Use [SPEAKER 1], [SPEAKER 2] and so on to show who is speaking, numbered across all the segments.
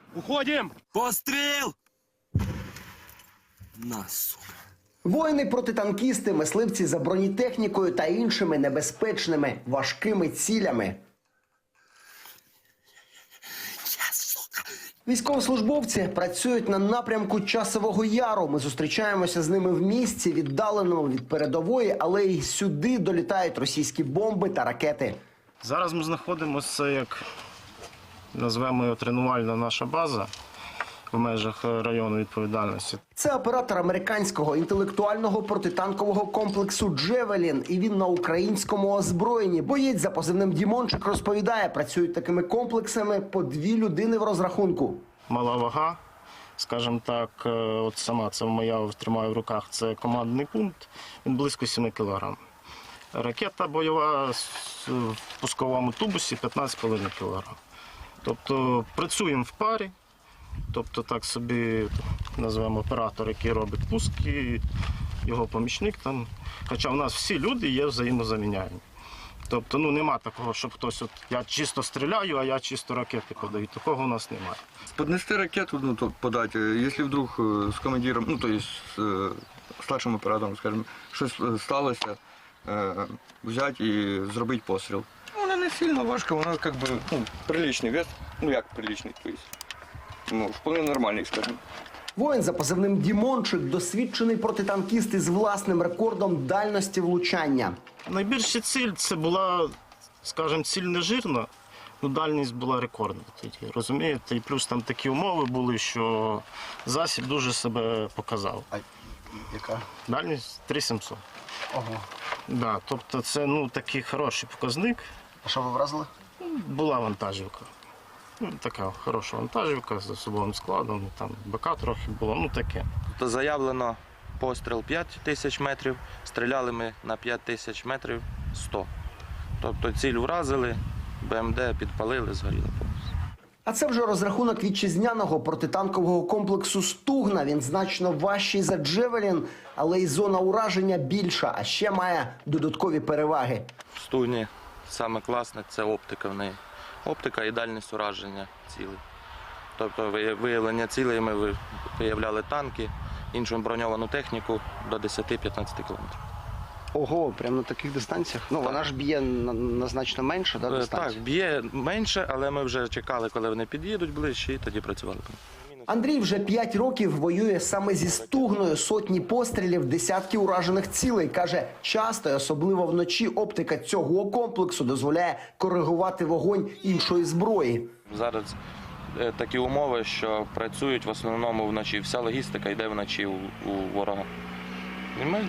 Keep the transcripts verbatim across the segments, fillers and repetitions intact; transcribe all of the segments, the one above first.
[SPEAKER 1] Уходим!
[SPEAKER 2] Постріл! На, сука.
[SPEAKER 3] Воїни-протитанкісти, мисливці за бронетехнікою та іншими небезпечними важкими цілями. Військовослужбовці працюють на напрямку Часового Яру. Ми зустрічаємося з ними в місці, віддаленому від передової, але й сюди долітають російські бомби та ракети.
[SPEAKER 1] Зараз ми знаходимося, як назвемо його, тренувальна наша база в межах району відповідальності.
[SPEAKER 3] Це оператор американського інтелектуального протитанкового комплексу «Джевелін», і він на українському озброєнні. Боєць за позивним Дімончик розповідає, працюють такими комплексами по дві людини в розрахунку.
[SPEAKER 1] Мала вага, скажімо так, от сама це моя тримаю в руках, це командний пункт, він близько семи кілограм. Ракета бойова в пусковому тубусі п'ятнадцять з половиною кілограм. Тобто працюємо в парі. Тобто так собі називаємо оператор, який робить пуски, його помічник там. Хоча в нас всі люди є взаємозаміняємі. Тобто ну, нема такого, щоб хтось, от, я чисто стріляю, а я чисто ракети подаю. Такого у нас немає.
[SPEAKER 4] Поднести ракету, ну, то подать, если вдруг э, с командиром, ну, то есть с э, старшим оператором, скажем, щось сталося, э, взять і зробити постріл. Вона не сильно важка, вона как бы, ну, приличний вес, ну як приличний, то есть, ну, вполне нормальний, скажімо.
[SPEAKER 3] Воїн за позивним Дімончик – досвідчений протитанкіст із власним рекордом дальності влучання.
[SPEAKER 1] Найбільша ціль це була, скажімо, ціль не жирна, але дальність була рекордна тоді, розумієте? І плюс там такі умови були, що засіб дуже себе показав.
[SPEAKER 3] А яка?
[SPEAKER 1] Дальність три сімсот.
[SPEAKER 3] Ого.
[SPEAKER 1] Да, тобто це ну, такий хороший показник.
[SPEAKER 3] А що ви вразили?
[SPEAKER 1] Була вантажівка. Ну, така хороша вантажівка з особовим складом, там БК трохи було, ну таке.
[SPEAKER 5] То заявлено постріл п'ять тисяч метрів, стріляли ми на п'ять тисяч метрів сто. Тобто ціль вразили, БМД підпалили, згоріло повністю.
[SPEAKER 3] А це вже розрахунок вітчизняного протитанкового комплексу «Стугна». Він значно важчий за «Джевелін», але й зона ураження більша, а ще має додаткові переваги.
[SPEAKER 5] В Стугні саме класне – це оптика в неї. Оптика і дальність ураження цілей. Тобто виявлення цілей ми виявляли танки, іншу броньовану техніку до десяти-п'ятнадцяти кілометрів.
[SPEAKER 3] Ого, прямо на таких дистанціях? Ну, вона ж б'є на, на значно менше, да, дистанцію?
[SPEAKER 5] Так, б'є менше, але ми вже чекали, коли вони під'їдуть ближче, і тоді працювали.
[SPEAKER 3] Андрій вже п'ять років воює саме зі «Стугною». Сотні пострілів, десятки уражених цілей. Каже, часто, і особливо вночі, оптика цього комплексу дозволяє коригувати вогонь іншої зброї.
[SPEAKER 5] Зараз такі умови, що працюють в основному вночі. Вся логістика йде вночі у, у ворога. І ми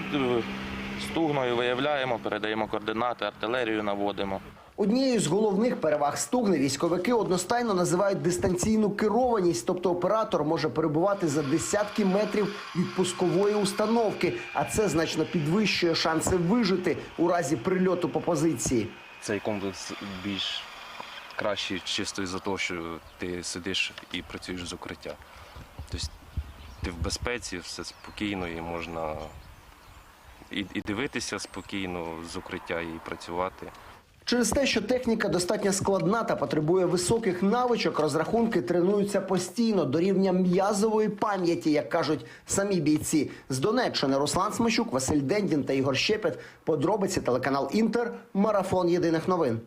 [SPEAKER 5] «Стугною» виявляємо, передаємо координати, артилерію наводимо.
[SPEAKER 3] Однією з головних переваг «Стугни» військовики одностайно називають дистанційну керованість, тобто оператор може перебувати за десятки метрів від пускової установки, а це значно підвищує шанси вижити у разі прильоту по позиції.
[SPEAKER 6] Цей комплекс більш кращий чисто із-за того, що ти сидиш і працюєш з укриття. Тобто ти в безпеці, все спокійно і можна і, і дивитися спокійно з укриття, і працювати.
[SPEAKER 3] Через те, що техніка достатньо складна та потребує високих навичок, розрахунки тренуються постійно до рівня м'язової пам'яті, як кажуть самі бійці. З Донеччини Руслан Смещук, Василь Дендін та Ігор Щепет. Подробиці телеканал «Інтер». Марафон єдиних новин.